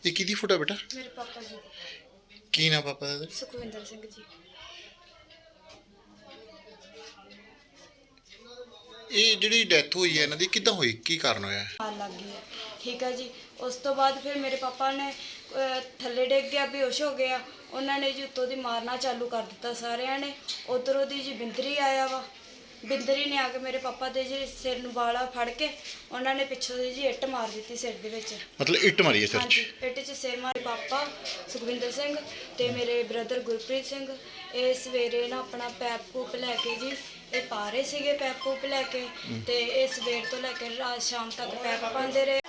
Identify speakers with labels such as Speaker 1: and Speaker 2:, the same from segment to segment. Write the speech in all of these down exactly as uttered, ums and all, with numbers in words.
Speaker 1: ये किहदी फोटो बेटा?
Speaker 2: मेरे पापा जी
Speaker 1: की नाम पापा दा?
Speaker 2: सुखविंदर सिंह जी।
Speaker 1: ਇਹ ਜਿਹੜੀ ਡੈਥ ਹੋਈ ਹੈ ਇਹਨਾਂ ਦੀ ਕਿੱਦਾਂ ਹੋਈ, ਕੀ ਕਾਰਨ ਹੋਇਆ?
Speaker 2: ਆਗ ਲੱਗ ਗਈ ਹੈ, ਠੀਕ ਹੈ ਜੀ। ਉਸ ਤੋਂ ਬਾਅਦ ਫਿਰ ਮੇਰੇ ਪਾਪਾ ਨੇ ਅਹ, ਥੱਲੇ ਡਿੱਗ ਗਿਆ, ਬੇਹੋਸ਼ ਹੋ ਗਿਆ। ਉਹਨਾਂ ਨੇ ਜੀ ਉੱਤੋਂ ਦੀ ਮਾਰਨਾ ਚਾਲੂ ਕਰ ਦਿੱਤਾ ਸਾਰਿਆਂ ਨੇ। ਉੱਧਰੋਂ ਦੀ ਜੀ ਬਿੰਦਰੀ ਆਇਆ ਵਾ, ਬਿੰਦਰੀ ਨੇ ਆ ਕੇ ਮੇਰੇ ਪਾਪਾ ਦੇ ਜੀ ਸਿਰ ਨੂੰ ਵਾਲਾ ਫੜ ਕੇ ਉਹਨਾਂ ਨੇ ਪਿੱਛੋਂ ਦੀ ਜੀ ਇੱਟ ਮਾਰ ਦਿੱਤੀ ਸਿਰ ਦੇ ਵਿੱਚ।
Speaker 1: ਮਤਲਬ ਇੱਟ ਮਾਰੀ ਹੈ ਸਿਰ 'ਚ?
Speaker 2: ਹਾਂਜੀ, ਇੱਟ 'ਚ ਸਿਰ ਮਾਰੇ। ਪਾਪਾ ਸੁਖਵਿੰਦਰ ਸਿੰਘ ਤੇ ਮੇਰੇ ਬ੍ਰਦਰ ਗੁਰਪ੍ਰੀਤ ਸਿੰਘ ਇਹ ਸਵੇਰੇ ਨਾ ਆਪਣਾ ਪੈਪ ਪੂਪ ਲੈ ਕੇ ਜੀ ਇਹ ਪਾ ਰਹੇ ਸੀਗੇ, ਪੈਪ ਪੂਪ ਲੈ ਕੇ, ਤੇ ਇਹ ਸਵੇਰ ਤੋਂ ਲੈ ਕੇ ਰਾਤ ਸ਼ਾਮ ਤੱਕ ਪੈਪ ਪਾਉਂਦੇ ਰਹੇ।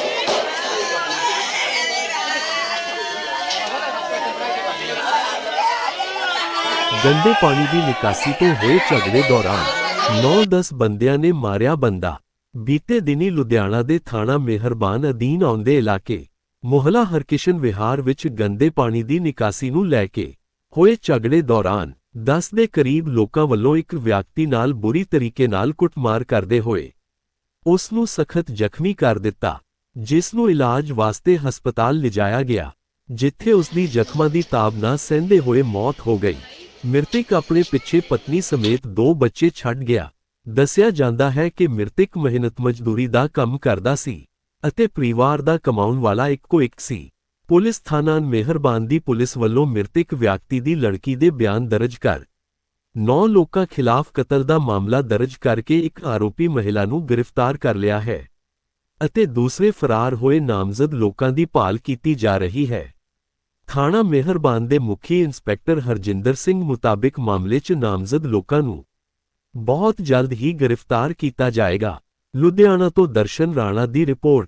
Speaker 3: ਗੰਦੇ ਪਾਣੀ ਦੀ ਨਿਕਾਸੀ ਤੋਂ ਹੋਏ ਝਗੜੇ ਦੌਰਾਨ ਨੌ ਦਸ ਬੰਦਿਆਂ ਨੇ ਮਾਰਿਆ ਬੰਦਾ। ਬੀਤੇ ਦਿਨੀ ਲੁਧਿਆਣਾ ਦੇ ਥਾਣਾ ਮਿਹਰਬਾਨ ਅਧੀਨ ਆਉਂਦੇ ਇਲਾਕੇ ਮੁਹੱਲਾ ਹਰਕਿਸ਼ਨ ਵਿਹਾਰ ਵਿੱਚ ਗੰਦੇ ਪਾਣੀ ਦੀ ਨਿਕਾਸੀ ਨੂੰ ਲੈ ਕੇ ਹੋਏ ਝਗੜੇ ਦੌਰਾਨ ਦਸ ਦੇ ਕਰੀਬ ਲੋਕਾਂ ਵੱਲੋਂ ਇੱਕ ਵਿਅਕਤੀ ਨਾਲ ਬੁਰੀ ਤਰੀਕੇ ਨਾਲ ਕੁੱਟਮਾਰ ਕਰਦੇ ਹੋਏ ਉਸ ਨੂੰ ਸਖਤ ਜ਼ਖਮੀ ਕਰ ਦਿੱਤਾ, ਜਿਸ ਨੂੰ ਇਲਾਜ ਵਾਸਤੇ ਹਸਪਤਾਲ ਲਿਜਾਇਆ ਗਿਆ, ਜਿੱਥੇ ਉਸ ਦੀ ਜ਼ਖਮਾਂ ਦੀ ਤਾਬ ਨਾ ਸਹਿੰਦੇ ਹੋਏ ਮੌਤ ਹੋ ਗਈ। ਮ੍ਰਿਤਕ ਆਪਣੇ ਪਿੱਛੇ ਪਤਨੀ ਸਮੇਤ ਦੋ ਬੱਚੇ ਛੱਡ ਗਿਆ। ਦੱਸਿਆ ਜਾਂਦਾ ਹੈ ਕਿ ਮ੍ਰਿਤਕ ਮਿਹਨਤ ਮਜ਼ਦੂਰੀ ਦਾ ਕੰਮ ਕਰਦਾ ਸੀ ਅਤੇ ਪਰਿਵਾਰ ਦਾ ਕਮਾਉਣ ਵਾਲਾ ਇੱਕੋ ਇੱਕ ਸੀ। ਪੁਲਿਸ ਥਾਣਾ ਮਿਹਰਬਾਨ ਦੀ ਪੁਲਿਸ ਵੱਲੋਂ ਮ੍ਰਿਤਕ ਵਿਅਕਤੀ ਦੀ ਲੜਕੀ ਦੇ ਬਿਆਨ ਦਰਜ ਕਰ ਨੌ ਲੋਕਾਂ ਖਿਲਾਫ ਕਤਲ ਦਾ ਮਾਮਲਾ ਦਰਜ ਕਰਕੇ ਇੱਕ ਆਰੋਪੀ ਮਹਿਲਾ ਨੂੰ ਗ੍ਰਿਫਤਾਰ ਕਰ ਲਿਆ ਹੈ ਅਤੇ ਦੂਸਰੇ ਫਰਾਰ ਹੋਏ ਨਾਮਜ਼ਦ ਲੋਕਾਂ ਦੀ ਭਾਲ ਕੀਤੀ ਜਾ ਰਹੀ ਹੈ। ਥਾਣਾ ਮਿਹਰਬਾਨ ਦੇ ਮੁਖੀ ਇੰਸਪੈਕਟਰ ਹਰਜਿੰਦਰ ਸਿੰਘ ਮੁਤਾਬਿਕ ਮਾਮਲੇ 'ਚ ਨਾਮਜ਼ਦ ਲੋਕਾਂ ਨੂੰ ਬਹੁਤ ਜਲਦ ਹੀ ਗ੍ਰਿਫਤਾਰ ਕੀਤਾ ਜਾਏਗਾ। ਲੁਧਿਆਣਾ ਤੋਂ ਦਰਸ਼ਨ ਰਾਣਾ ਦੀ ਰਿਪੋਰਟ।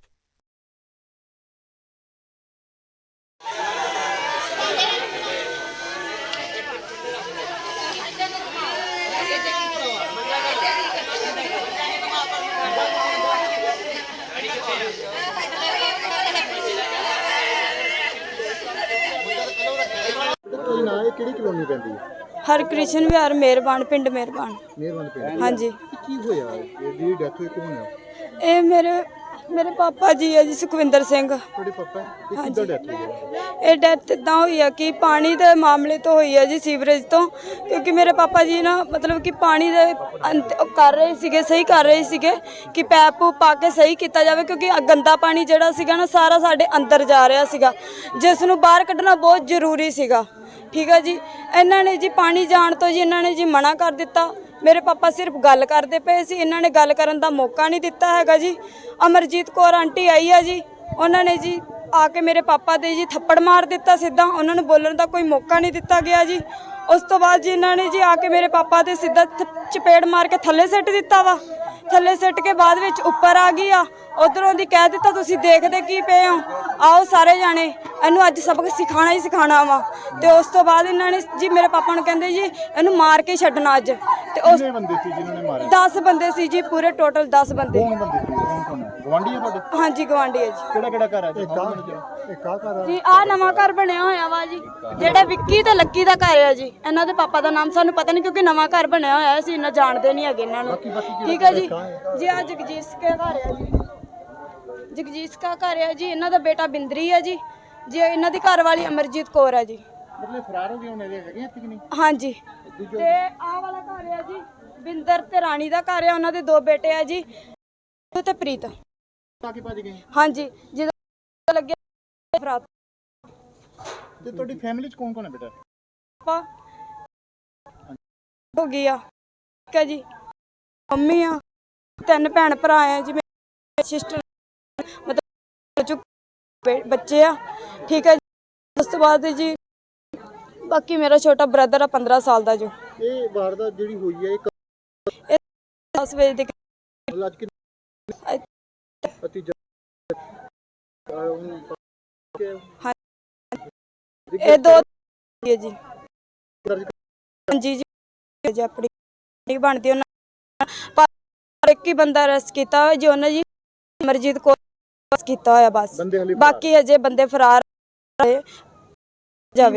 Speaker 4: ਕਿਹੜੀ ਕਲੋਨੀ ਪੈਂਦੀ ਹੈ?
Speaker 2: ਹਰਕ੍ਰਿਸ਼ਨ ਵਿਹਾਰ ਮਿਹਰਬਾਨ, ਪਿੰਡ ਮਿਹਰਬਾਨ।
Speaker 4: ਮਿਹਰਬਾਨ ਪਿੰਡ।
Speaker 2: ਹਾਂਜੀ।
Speaker 4: ਕੀ ਹੋਇਆ? ਇਹਦੀ ਡੈਥ ਹੋਈ ਕੌਣ ਹੈ?
Speaker 2: ਇਹ ਮੇਰੇ ਮੇਰੇ ਪਾਪਾ ਜੀ ਹੈ ਜੀ, ਸੁਖਵਿੰਦਰ ਸਿੰਘ।
Speaker 4: ਤੁਹਾਡੇ ਪਾਪਾ? ਇਹ ਕਿੱਦਾਂ ਡੈਥ ਹੋਈ ਹੈ?
Speaker 2: ਇਹ ਡੈਥ ਇਦਾਂ ਹੋਈ ਆ ਕਿ ਪਾਣੀ ਦੇ ਮਾਮਲੇ ਤੋਂ ਹੋਈ ਹੈ ਜੀ, ਸੀਵਰੇਜ ਤੋਂ। ਕਿਉਂਕਿ ਮੇਰੇ ਪਾਪਾ ਜੀ ਨਾ ਮਤਲਬ ਕਿ ਪਾਣੀ ਦੇ ਅੰਤ ਉਹ ਕਰ ਰਹੇ ਸੀਗੇ, ਸਹੀ ਕਰ ਰਹੇ ਸੀਗੇ ਕਿ ਪੈਪ ਪੂਪ ਪਾ ਕੇ ਸਹੀ ਕੀਤਾ ਜਾਵੇ, ਕਿਉਂਕਿ ਗੰਦਾ ਪਾਣੀ ਜਿਹੜਾ ਸੀਗਾ ਨਾ ਸਾਰਾ ਸਾਡੇ ਅੰਦਰ ਜਾ ਰਿਹਾ ਸੀਗਾ, ਜਿਸ ਨੂੰ ਬਾਹਰ ਕੱਢਣਾ ਬਹੁਤ ਜ਼ਰੂਰੀ ਸੀਗਾ। ਠੀਕ ਹੈ ਜੀ। ਇਹਨਾਂ ਨੇ ਜੀ ਪਾਣੀ ਜਾਣ ਤੋਂ ਜੀ ਇਹਨਾਂ ਨੇ ਜੀ ਮਨਾ ਕਰ ਦਿੱਤਾ। ਮੇਰੇ ਪਾਪਾ ਸਿਰਫ ਗੱਲ ਕਰਦੇ ਪਏ ਸੀ, ਇਹਨਾਂ ਨੇ ਗੱਲ ਕਰਨ ਦਾ ਮੌਕਾ ਨਹੀਂ ਦਿੱਤਾ ਹੈਗਾ ਜੀ। ਅਮਰਜੀਤ ਕੌਰ ਆਂਟੀ ਆਈ ਆ ਜੀ, ਉਹਨਾਂ ਨੇ ਜੀ ਆ ਕੇ ਮੇਰੇ ਪਾਪਾ ਦੇ ਜੀ ਥੱਪੜ ਮਾਰ ਦਿੱਤਾ ਸਿੱਧਾ, ਉਹਨਾਂ ਨੂੰ ਬੋਲਣ ਦਾ ਕੋਈ ਮੌਕਾ ਨਹੀਂ ਦਿੱਤਾ ਗਿਆ ਜੀ। ਉਸ ਤੋਂ ਬਾਅਦ ਜੀ ਇਹਨਾਂ ਨੇ ਜੀ ਆ ਕੇ ਮੇਰੇ ਪਾਪਾ ਦੇ ਸਿੱਧਾ ਚਪੇੜ ਮਾਰ ਕੇ ਥੱਲੇ ਸਿੱਟ ਦਿੱਤਾ ਵਾ। ਥੱਲੇ ਸਿੱਟ ਕੇ ਬਾਅਦ ਵਿੱਚ ਉੱਪਰ ਆ ਗਈ ਆ, ਉਧਰੋਂ ਦੀ ਕਹਿ ਦਿੱਤਾ ਤੁਸੀਂ ਦੇਖਦੇ ਕੀ ਪਏ ਹੋ, ਆਓ ਸਾਰੇ ਜਾਣੇ ਇਹਨੂੰ ਅੱਜ ਸਬਕ ਸਿਖਾਣਾ ਹੀ ਸਿਖਾਣਾ ਵਾ। ਤੇ ਉਸ ਤੋਂ ਬਾਅਦ ਇਹਨਾਂ ਨੇ ਜੀ ਮੇਰੇ ਪਾਪਾ ਨੂੰ ਕਹਿੰਦੇ ਜੀ ਇਹਨੂੰ ਮਾਰ ਕੇ ਛੱਡਣਾ ਅੱਜ। ਤੇ ਉਸ
Speaker 4: ਕਿੰਨੇ ਬੰਦੇ ਸੀ ਜਿਨ੍ਹਾਂ ਨੇ ਮਾਰੇ?
Speaker 2: ਦਸ ਬੰਦੇ ਸੀ ਜੀ, ਪੂਰੇ ਟੋਟਲ ਦਸ ਬੰਦੇ।
Speaker 4: ਕੌਣ ਬੰਦੇ ਸੀ? ਕੌਣ ਕੌਣ ਹੈ? ਗਵਾਂਢੀ ਹੈ ਤੁਹਾਡੇ?
Speaker 2: ਹਾਂਜੀ, ਗਵਾਂਢੀ ਹੈ ਜੀ।
Speaker 4: ਕਿਹੜਾ ਕਿਹੜਾ ਘਰ ਹੈ? ਇੱਕ ਆ ਇੱਕ ਆ ਘਰ ਹੈ
Speaker 2: ਜੀ। ਆਹ ਨਵਾਂ ਘਰ ਬਣਿਆ ਹੋਇਆ ਵਾ ਜੀ, ਜਿਹੜਾ ਵਿੱਕੀ ਤੇ ਲੱਕੀ ਦਾ ਘਰ ਹੈ ਜੀ। ਇਹਨਾਂ ਦੇ ਪਾਪਾ ਦਾ ਨਾਮ ਸਾਨੂੰ ਪਤਾ ਨਹੀਂ, ਕਿਉਂਕਿ ਨਵਾਂ ਘਰ ਬਣਿਆ ਹੋਇਆ ਸੀ, ਇਹਨਾਂ ਜਾਣਦੇ ਨਹੀਂ ਹੈਗੇ ਇਹਨਾਂ ਨੂੰ। ਠੀਕ ਹੈ ਜੀ। ਜੀ ਆ ਜਗਜੀਤ ਕੇ ਘਰ ਹੈ ਜੀ, ਜਗਜੀਤ ਕਾ ਘਰ ਹੈ ਜੀ। ਇਹਨਾਂ ਦਾ ਬੇਟਾ ਬਿੰਦਰੀ ਹੈ ਜੀ, ਜੀ ਇਹਨਾਂ ਦੀ ਘਰ ਵਾਲੀ ਅਮਰਜੀਤ ਕੌਰ ਹੈ ਜੀ।
Speaker 4: ਮਤਲਬ ਫਰਾਰ ਹੋ ਗਏ ਹੁਣ ਇਹਦੇ ਹੈਗੇ ਇੱਥੇ ਕਿ ਨਹੀਂ?
Speaker 2: ਹਾਂਜੀ। ਤੇ ਆਹ ਵਾਲਾ ਘਰ ਹੈ ਜੀ ਬਿੰਦਰ ਤੇ ਰਾਣੀ ਦਾ ਘਰ ਹੈ, ਉਹਨਾਂ ਦੇ ਦੋ ਬੇਟੇ ਆ ਜੀ ਤੇ ਪ੍ਰੀਤ।
Speaker 4: ਬਾਕੀ ਭੱਜ ਗਏ?
Speaker 2: ਹਾਂਜੀ। ਜਦੋਂ ਲੱਗਿਆ ਫਰਾਤ।
Speaker 4: ਤੇ ਤੁਹਾਡੀ ਫੈਮਿਲੀ ਚ ਕੌਣ ਕੌਣ ਹੈ ਬੇਟਾ?
Speaker 2: ਪਾਪਾ ਹੋ ਗਿਆ, ਠੀਕ ਹੈ ਜੀ। ਮੰਮੀ ਆ, ਤਿੰਨ ਭੈਣ ਭਰਾ ਆ ਜੀ, ਮੇਰੇ ਸਿਸਟਰ ਮਤਲਬ ਬੱਚੇ ਆ। ਠੀਕ ਹੈ ਜੀ। ਉਸ ਤੋਂ ਬਾਅਦ ਜੀ ਬਾਕੀ ਮੇਰਾ ਛੋਟਾ ਬ੍ਰਦਰ ਆ ਪੰਦਰਾਂ ਸਾਲ ਦਾ ਜੋ।
Speaker 4: ਇਹ ਵਾਰਦਾਤ ਜਿਹੜੀ ਹੋਈ ਹੈ
Speaker 2: ਇਹ ਦਸ ਵਜੇ ਦੇ
Speaker 4: ਅੱਜ ਕਿ ਅਤੀ
Speaker 2: ਇਹ ਦੋ ਹੈ ਜੀ। ਹਾਂਜੀ ਜੀ। ਆਪਣੀ ਬਣਦੀ ਉਹਨਾਂ ਪਰ ਇੱਕ ਹੀ ਬੰਦਾ ਅਰੈਸਟ ਕੀਤਾ ਹੋਇਆ ਜੀ, ਉਹਨਾਂ ਜੀ ਅਮਰਜੀਤ ਕੌਰ ਕੀਤਾ ਹੋਇਆ ਬਸ। ਬਾਕੀ ਅਜੇ ਬੰਦੇ ਫਰਾਰ ਹੋਏ ਜਾਵੇ।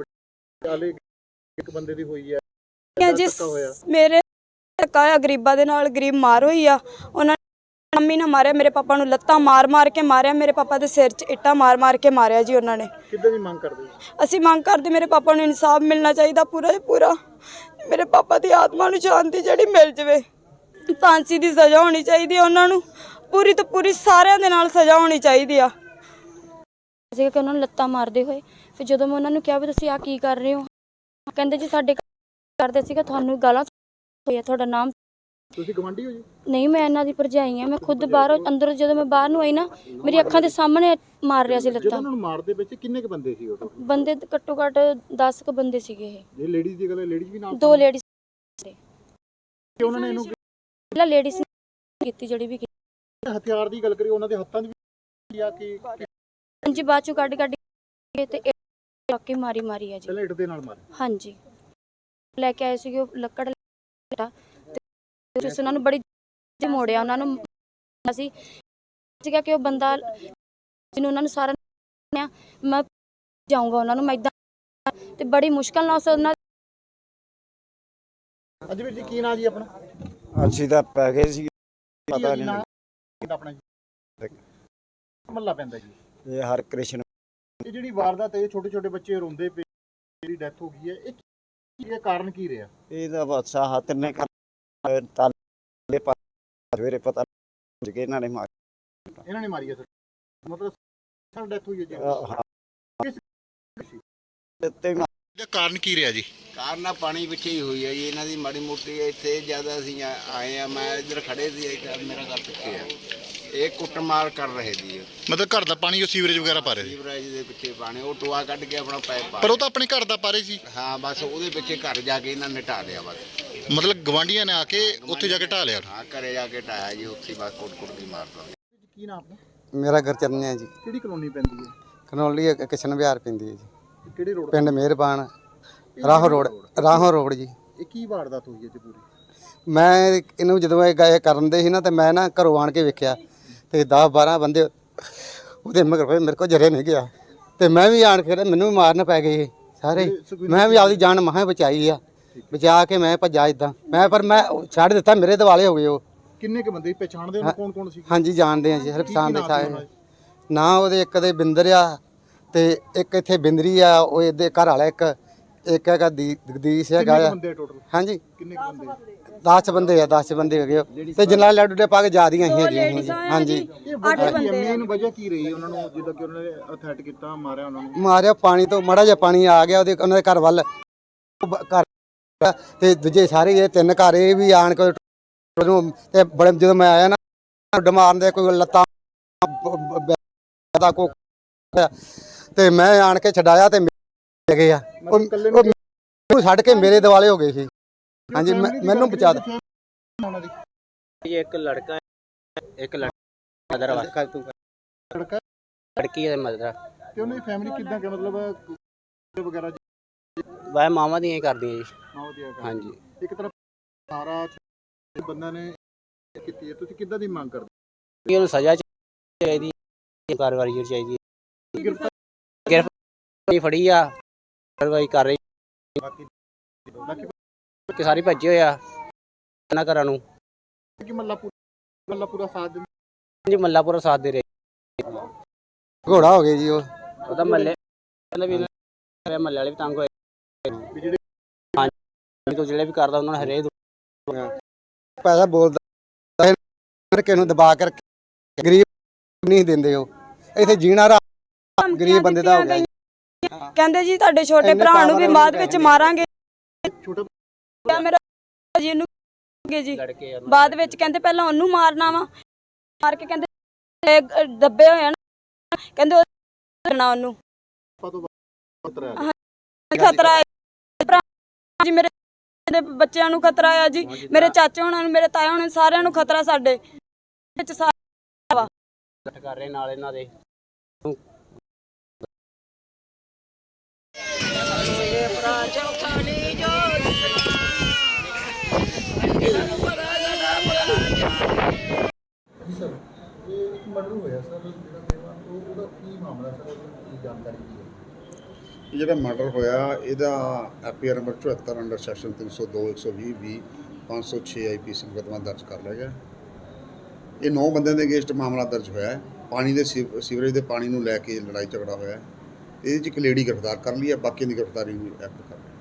Speaker 4: ਇੱਕ ਬੰਦੇ ਦੀ ਹੋਈ ਹੈ
Speaker 2: ਜੀ। ਮੇਰੇ ਧੱਕਾ ਹੋਇਆ, ਗਰੀਬਾਂ ਦੇ ਨਾਲ, ਗਰੀਬ ਮਾਰ ਹੋਈ ਆ। ਉਹਨਾਂ ਮੰਮੀ ਨੇ ਮਾਰਿਆ ਮੇਰੇ ਪਾਪਾ ਨੂੰ, ਲੱਤਾਂ ਮਾਰ ਮਾਰ ਕੇ ਮਾਰਿਆ, ਮੇਰੇ ਪਾਪਾ ਦੇ ਸਿਰ 'ਚ ਇੱਟਾਂ ਮਾਰ ਮਾਰ ਕੇ ਮਾਰਿਆ ਜੀ ਉਹਨਾਂ ਨੇ।
Speaker 4: ਕਿੱਦਾਂ ਦੀ ਮੰਗ ਕਰਦੇ ਹੋ?
Speaker 2: ਅਸੀਂ ਮੰਗ ਕਰਦੇ ਮੇਰੇ ਪਾਪਾ ਨੂੰ ਇਨਸਾਫ ਮਿਲਣਾ ਚਾਹੀਦਾ ਪੂਰਾ ਹੀ ਪੂਰਾ। ਮੇਰੇ ਪਾਪਾ ਦੀ ਆਤਮਾ ਨੂੰ ਸ਼ਾਂਤੀ ਜਿਹੜੀ ਮਿਲ ਜਾਵੇ। ਫਾਂਸੀ ਦੀ ਸਜ਼ਾ ਹੋਣੀ ਚਾਹੀਦੀ ਹੈ ਉਹਨਾਂ ਨੂੰ, ਪੂਰੀ ਤੋਂ ਪੂਰੀ ਸਾਰਿਆਂ ਦੇ ਨਾਲ ਸਜ਼ਾ ਹੋਣੀ ਚਾਹੀਦੀ ਆ।
Speaker 5: ਸੀਗਾ ਕਿ ਉਹਨਾਂ ਨੂੰ ਲੱਤਾਂ ਮਾਰਦੇ ਹੋਏ, ਫਿਰ ਜਦੋਂ ਮੈਂ ਉਹਨਾਂ ਨੂੰ ਕਿਹਾ ਵੀ ਤੁਸੀਂ ਆ ਕੀ ਕਰ ਰਹੇ ਹੋ, ਕਹਿੰਦੇ ਜੀ ਸਾਡੇ ਕਰਦੇ ਸੀਗਾ ਤੁਹਾਨੂੰ ਗਾਲਾਂ ਹੋਇਆ, ਤੁਹਾਡਾ ਨਾਮ।
Speaker 4: ਤੁਸੀਂ ਗਵਾਂਢੀ ਹੋ ਜੀ?
Speaker 5: ਨਹੀਂ, ਮੈਂ ਇਹਨਾਂ ਦੀ ਭਰਜਾਈ ਆ। ਮੈਂ ਖੁਦ ਬਾਹਰੋਂ ਅੰਦਰੋਂ ਜਦੋਂ ਮੈਂ ਬਾਹਰ ਨੂੰ ਆਈ ਨਾ, ਮੇਰੀ ਅੱਖਾਂ ਦੇ ਸਾਹਮਣੇ ਮਾਰ ਰਿਹਾ ਸੀ
Speaker 4: ਜਦੋਂ
Speaker 5: ਲੱਤਾਂ।
Speaker 4: ਉਹਨਾਂ ਨੂੰ ਮਾਰਦੇ ਵਿੱਚ ਕਿੰਨੇ ਕ ਬੰਦੇ ਸੀ ਉਦੋਂ?
Speaker 5: ਬੰਦੇ ਘੱਟੋ ਘੱਟ ਦਸ ਕੁ ਬੰਦੇ ਸੀਗੇ ਇਹ।
Speaker 4: ਜੇ ਲੇਡੀਜ਼ ਦੀ ਗੱਲ ਹੈ, ਲੇਡੀਜ਼ ਵੀ ਨਾਲ
Speaker 5: ਦੋ ਲੇਡੀਜ਼
Speaker 4: ਕਿ ਉਹਨਾਂ ਨੇ ਇਹਨੂੰ
Speaker 5: ਪਹਿਲਾਂ ਲੇਡੀਜ਼ ਕੀਤੀ ਜਿਹੜੀ ਵੀ ਕੀਤੀ।
Speaker 4: ਹਥਿਆਰ ਦੀ ਗੱਲ ਕਰੀ, ਉਹਨਾਂ ਦੇ ਹੱਥਾਂ 'ਚ ਵੀ ਆ ਕਿ
Speaker 5: ਹਾਂਜੀ, ਬਾਅਦ ਚੋਂ ਕੱਢ ਕੱਢ ਕੇ ਤੇ ਚੱਕੀ ਮਾਰੀ ਮਾਰੀ ਆ ਜੀ।
Speaker 4: ਪਹਿਲਾਂ ਇੱਟ ਦੇ ਨਾਲ ਮਾਰੇ?
Speaker 5: ਹਾਂਜੀ, ਲੈ ਕੇ ਆਏ ਸੀਗੇ ਉਹ ਲੱਕੜ ਤੇ ਉਸ ਉਹਨਾਂ ਨੂੰ ਬੜੀ ਮੋੜਿਆ, ਉਹਨਾਂ ਨੂੰ ਸੀ ਸੀਗਾ ਕਿ ਉਹ ਬੰਦਾ ਜਿਹਨੂੰ ਉਹਨਾਂ ਨੂੰ ਸਾਰਾ ਮੈਂ ਜਾਊਂਗਾ ਉਹਨਾਂ ਨੂੰ, ਮੈਂ ਇੱਦਾਂ ਤੇ ਬੜੀ ਮੁਸ਼ਕਲ ਨਾਲ ਉਸ ਉਹਨਾਂ।
Speaker 4: ਅੱਜ ਵੀਰ ਜੀ ਕੀ ਨਾਂ ਜੀ ਆਪਣਾ?
Speaker 6: ਅਸੀਂ ਤਾਂ ਪੈ ਗਏ ਸੀ, ਪਤਾ ਨਹੀਂ
Speaker 4: ਆਪਣਾ ਜੀ ਮੱਲਾ ਪੈਂਦਾ ਜੀ।
Speaker 6: ਇਹ ਹਰ ਕ੍ਰਿਸ਼ਨ
Speaker 4: ਇਹ ਜਿਹੜੀ ਵਾਰਦਾਤ ਹੈ, ਛੋਟੇ ਛੋਟੇ ਬੱਚੇ ਰੋਂਦੇ ਪਏ, ਜਿਹੜੀ ਡੈਥ ਹੋ ਗਈ ਹੈ, ਇਹ ਕੀ ਕਾਰਨ ਕੀ ਰਿਹਾ?
Speaker 6: ਇਹਦਾ ਬਾਦਸ਼ਾਹ ਹੱਥ ਨੇ ਕਰ ਤਾਲੇ ਪਾ ਸਵੇਰੇ ਪਤਾ ਲੱਗ ਗਿਆ ਇਹਨਾਂ ਨੇ ਮਾਰ
Speaker 4: ਇਹਨਾਂ ਨੇ ਮਾਰੀ ਹੈ ਸਰ, ਮਤਲਬ ਸਰ ਡੈਥ ਹੋਈ ਹੈ ਜੀ।
Speaker 6: ਤੇ
Speaker 1: ਇਹਦਾ ਕਾਰਨ ਕੀ ਰਿਹਾ ਜੀ?
Speaker 7: ਕਾਰਨ ਆ ਪਾਣੀ ਪਿੱਛੇ ਹੀ ਹੋਈ ਹੈ ਜੀ ਇਹਨਾਂ ਦੀ ਮਾੜੀ ਮੋਟੀ। ਇੱਥੇ ਜ਼ਿਆਦਾ ਅਸੀਂ ਆ- ਆਏ ਆ, ਮੈਂ ਇੱਧਰ ਖੜੇ ਸੀ, ਇੱਧਰ ਮੇਰਾ ਘਰ ਪਿੱਛੇ ਆ। ਇਹ ਕੁੱਟਮਾਰ ਕਰ ਰਹੇ ਸੀ,
Speaker 1: ਮਤਲਬ ਘਰ ਦਾ ਪਾਣੀ ਉਹ ਸੀਵਰੇਜ ਵਗੈਰਾ ਪਾ ਰਹੇ ਸੀ?
Speaker 7: ਸੀਵਰੇਜ ਦੇ ਪਿੱਛੇ ਪਾਣੀ, ਉਹ ਟੋਆ ਕੱਢ ਕੇ ਆਪਣਾ ਪਾਈਪ ਪਾ
Speaker 1: ਪਰ ਉਹ ਤਾਂ ਆਪਣੇ ਘਰ ਦਾ ਪਾ ਰਹੇ ਸੀ।
Speaker 7: ਹਾਂ, ਬਸ ਉਹਦੇ ਪਿੱਛੇ ਘਰ ਜਾ ਕੇ ਇਹਨਾਂ ਨੇ ਢਾ ਲਿਆ ਬਸ।
Speaker 1: ਮਤਲਬ ਗਵਾਂਢੀਆਂ ਨੇ ਆ ਕੇ ਉੱਥੇ ਜਾ ਕੇ ਢਾਹ ਲਿਆ?
Speaker 7: ਹਾਂ, ਘਰੇ ਜਾ ਕੇ ਢਾਇਆ ਜੀ, ਉੱਥੇ ਬਸ ਕੁੱਟ ਕੁੱਟ ਦੀ ਮਾਰਦਾ।
Speaker 4: ਕੀ ਨਾਮ ਆਪਣਾ?
Speaker 6: ਮੇਰਾ ਘਰ ਚਰਨਿਆ ਜੀ,
Speaker 4: ਕਿਹੜੀ ਕਲੋਨੀ ਪੈਂਦੀ ਹੈ?
Speaker 6: ਕਨੌਲੀ ਕਿਸ਼ਨ ਵਿਹਾਰ ਪੈਂਦੀ ਹੈ ਜੀ,
Speaker 4: ਕਿਹੜੇ ਰੋਡ?
Speaker 6: ਪਿੰਡ ਮਿਹਰਬਾਨ, ਰਾਹੋਂ ਰੋਡ, ਰਾਹੋਂ ਰੋਡ ਜੀ।
Speaker 4: ਇਹ ਕੀ ਵਾਰਦਾਤ ਹੋਈ ਹੈ ਜੀ ਪੂਰੀ?
Speaker 6: ਮੈਂ ਇਹਨੂੰ ਜਦੋਂ ਇਹ ਗਏ ਕਰਨ ਦੇ ਸੀ ਨਾ, ਤੇ ਮੈਂ ਨਾ ਘਰੋਂ ਆਣ ਕੇ ਵੇਖਿਆ ਤੇ ਦਸ ਬਾਰਾਂ ਬੰਦੇ ਉਹਦੇ ਮਗਰ ਪਏ, ਮੇਰੇ ਕੋਲ ਜਰੇ ਨਹੀਂ ਗਿਆ ਤੇ ਮੈਂ ਵੀ ਆਣ ਕੇ ਮੈਨੂੰ ਵੀ ਮਾਰਨ ਪੈ ਗਏ ਸਾਰੇ। ਮੈਂ ਵੀ ਆਪਦੀ ਜਾਨ ਮਹਾਂ ਬਚਾਈ ਆ, ਬਚਾ ਕੇ ਮੈਂ ਭੱਜਾ ਇਦਾਂ ਮੈਂ, ਪਰ ਮੈਂ ਛੱਡ ਦਿੱਤਾ, ਮੇਰੇ ਦਿਵਾਲੇ ਹੋ ਗਏ ਉਹ।
Speaker 4: ਕਿੰਨੇ ਕ ਬੰਦੇ ਪਛਾਣਦੇ ਹੋ? ਕੌਣ ਕੌਣ ਸੀ?
Speaker 6: ਹਾਂਜੀ, ਜਾਣਦੇ ਆ ਜੀ, ਹਰ ਪਛਾਣ ਦੇ ਸਾਰੇ ਨਾ। ਉਹਦੇ ਇੱਕ ਦੇ ਬਿੰਦਰ ਆ ਤੇ ਇੱਕ ਇੱਥੇ ਬਿੰਦਰੀ ਆ, ਉਹ ਇਹਦੇ ਘਰ ਵਾਲਾ ਇੱਕ ਇੱਕ ਹੈਗਾ ਜਗਦੀਸ਼ ਹੈਗਾ ਆ।
Speaker 4: ਬੰਦੇ ਟੋਟਲ
Speaker 6: ਹਾਂਜੀ,
Speaker 4: ਕਿੰਨੇ ਕ ਬੰਦੇ?
Speaker 6: ਦਸ ਬੰਦੇ ਆ, ਦਸ ਬੰਦੇ ਹੈਗੇ ਉਹ। ਤੇ ਜਨਾਲ ਲੱਡੂ ਦੇ ਪਾ ਕੇ ਜਾ ਦੀਆਂ ਸੀ ਜੀ। ਹਾਂਜੀ,
Speaker 4: ਇਹ ਵਜ੍ਹਾ ਕੀ ਹੈ, ਮੇਨ ਵਜ੍ਹਾ ਕੀ ਰਹੀ ਉਹਨਾਂ ਨੂੰ, ਜਿੱਦਾਂ ਕਿ ਉਹਨਾਂ ਨੇ ਅਥੈਟ ਕੀਤਾ, ਮਾਰਿਆ ਉਹਨਾਂ ਨੂੰ?
Speaker 6: ਮਾਰਿਆ ਪਾਣੀ ਤੋਂ, ਮਾੜਾ ਜਿਹਾ ਪਾਣੀ ਆ ਗਿਆ ਉਹਦੇ ਉਹਨਾਂ ਦੇ ਘਰ ਵੱਲ, ਘਰ ਤੇ ਦੂਜੇ ਸਾਰੇ ਇਹ ਤਿੰਨ ਘਰ ਇਹ ਵੀ ਆਣ ਕੇ ਤੇ ਬੜੇ, ਜਦੋਂ ਮੈਂ ਆਇਆ ਨਾ ਡਮਾਰਨ ਦੇ ਕੋਈ ਲੱਤਾਂ ਦਾ ਕੋ ਤੇ ਮੈਂ ਆਣ ਕੇ ਛਡਾਇਆ ਤੇ ਗਏ ਆ, ਉਹ ਛੱਡ ਕੇ ਮੇਰੇ ਦਿਵਾਲੇ ਹੋ ਗਏ ਸੀ। ਹਾਂਜੀ, ਮੈਨੂੰ ਬਚਾ ਦੇ।
Speaker 8: ਇੱਕ ਲੜਕਾ ਇੱਕ ਲੜਕਾ ਮਦਰ ਵਾ,
Speaker 4: ਲੜਕਾ
Speaker 8: ਲੜਕੀ ਹੈ ਮਦਰ।
Speaker 4: ਤੇ ਉਹਨਾਂ ਦੀ ਫੈਮਿਲੀ ਕਿੱਦਾਂ ਕਿ ਮਤਲਬ ਵਗੈਰਾ
Speaker 8: ਵਾਹ ਮਾਵਾਂ ਦੀਆਂ ਹੀ ਕਰਦੀਆਂ ਜੀ।
Speaker 4: ਮਾਂ ਦੀ ਹੈਗਾ?
Speaker 8: ਹਾਂਜੀ,
Speaker 4: ਇੱਕ ਤਰ੍ਹਾਂ ਸਾਰਾ ਬੰਦਾ ਨੇ ਕੀਤੀ ਹੈ, ਤੁਸੀਂ ਕਿੱਦਾਂ ਦੀ ਮੰਗ ਕਰਦੇ?
Speaker 8: ਉਹਨੂੰ ਸਜ਼ਾ ਚਾਹੀਦੀ, ਕਾਰਵਾਈ ਚਾਹੀਦੀ, ਗ੍ਰਿਫਤਾਰੀ ਫੜੀ ਆ, ਕਾਰਵਾਈ ਕਰ ਰਹੀ।
Speaker 4: ਬਾਕੀ ਬਾਕੀ
Speaker 8: ਕਿ ਸਾਰੇ ਭੱਜੇ ਹੋਏ ਆ ਇਹਨਾਂ ਘਰਾਂ ਨੂੰ।
Speaker 4: ਕਿ ਮੱਲਾ ਪੂਰਾ ਮੱਲਾ ਪੂਰਾ ਸਾਥ ਦਿੰਦਾ
Speaker 8: ਜੀ, ਮੱਲਾਪੁਰਾ ਸਾਥ ਦੇ ਰਹੇ।
Speaker 6: ਘੋੜਾ ਹੋ ਗਿਆ ਜੀ ਉਹ।
Speaker 8: ਉਹਦਾ ਮੱਲੇ ਵੀ ਮੱਲੇ ਵਾਲੇ ਵੀ ਤੰਗ ਹੋਏ
Speaker 4: ਵੀ ਜਿਹੜੇ
Speaker 8: ਹਾਂਜੀ, ਤੋਂ ਜਿਹੜੇ ਵੀ ਕਰਦਾ ਉਹਨਾਂ ਨੂੰ ਹਰੇਕ
Speaker 6: ਪੈਸਾ ਬੋਲਦਾ ਕਿਸੇ ਨੂੰ ਦਬਾ ਕੇ ਗਰੀਬ ਨਹੀਂ ਦਿੰਦੇ ਉਹ। ਇੱਥੇ ਜੀਣਾ ਰਾ ਗਰੀਬ ਬੰਦੇ ਦਾ ਹੋ ਗਿਆ।
Speaker 2: ਕਹਿੰਦੇ ਜੀ ਤੁਹਾਡੇ ਛੋਟੇ ਭਰਾ ਨੂੰ ਵੀ ਬਾਅਦ ਵਿੱਚ ਮਾਰਾਂਗੇ।
Speaker 4: ਛੋਟਾ
Speaker 2: ਮੇਰਾ ਜੀ ਇਹਨੂੰ ਜੀ
Speaker 8: ਲੜਕੇ
Speaker 2: ਬਾਅਦ ਵਿੱਚ ਕਹਿੰਦੇ ਪਹਿਲਾਂ ਉਹਨੂੰ ਮਾਰਨਾ ਵਾ, ਮਾਰ ਕੇ ਕਹਿੰਦੇ ਦੱਬੇ ਹੋਏ ਨਾ, ਕਹਿੰਦੇ ਉਹ ਕਰਨਾ ਉਹਨੂੰ ਖਤਰਾ ਹੈ ਜੀ। ਮੇਰੇ ਬੱਚਿਆਂ ਨੂੰ ਖਤਰਾ ਆ ਜੀ, ਮੇਰੇ ਚਾਚੇ ਹੋਣਾ ਨੂੰ, ਮੇਰੇ ਤਾਏ ਹੋਣਾ, ਸਾਰਿਆਂ ਨੂੰ ਖਤਰਾ ਸਾਡੇ ਵਿੱਚ ਸਾਰਾ ਵਾ।
Speaker 8: ਕਰ ਰਹੇ ਨਾਲ ਇਹਨਾਂ ਦੇ।
Speaker 4: ਸਰ ਇਹ ਇੱਕ ਮਰਡਰ ਹੋਇਆ ਸਰ, ਜਿਹੜਾ ਮੇਵਾ ਉਹ ਉਹਦਾ ਕੀ ਮਾਮਲਾ ਸਰ, ਉਹਦੀ ਜਾਣਕਾਰੀ ਕੀ ਹੈ?
Speaker 9: ਇਹ ਜਿਹੜਾ ਮਰਡਰ ਹੋਇਆ ਇਹਦਾ ਐਪੀਆਰ ਨੰਬਰ ਚੁਹੱਤਰ ਅੰਡਰ ਸੈਕਸ਼ਨ ਤਿੰਨ ਸੌ ਦੋ ਇੱਕ ਸੌ ਵੀਹ ਵੀਹ ਪੰਜ ਸੌ ਛੇ ਆਈ ਪੀ ਸੀ ਮੁਕੱਦਮਾ ਦਰਜ ਕਰ ਲਿਆ ਗਿਆ। ਇਹ ਨੌ ਬੰਦਿਆਂ ਦੇ ਅਗੇਂਸਟ ਮਾਮਲਾ ਦਰਜ ਹੋਇਆ ਹੈ। ਪਾਣੀ ਦੇ ਸੀਵ- ਸੀਵਰੇਜ ਦੇ ਪਾਣੀ ਨੂੰ ਲੈ ਕੇ ਲੜਾਈ ਝਗੜਾ ਹੋਇਆ ਹੈ। ਇਹਦੇ 'ਚ ਇੱਕ ਲੇਡੀ ਗ੍ਰਿਫਤਾਰ ਕਰ ਲਈ ਹੈ, ਬਾਕੀ ਦੀ ਗ੍ਰਿਫਤਾਰੀ ਨੂੰ ਐਕਟ ਕਰ ਰਹੇ ਹਾਂ।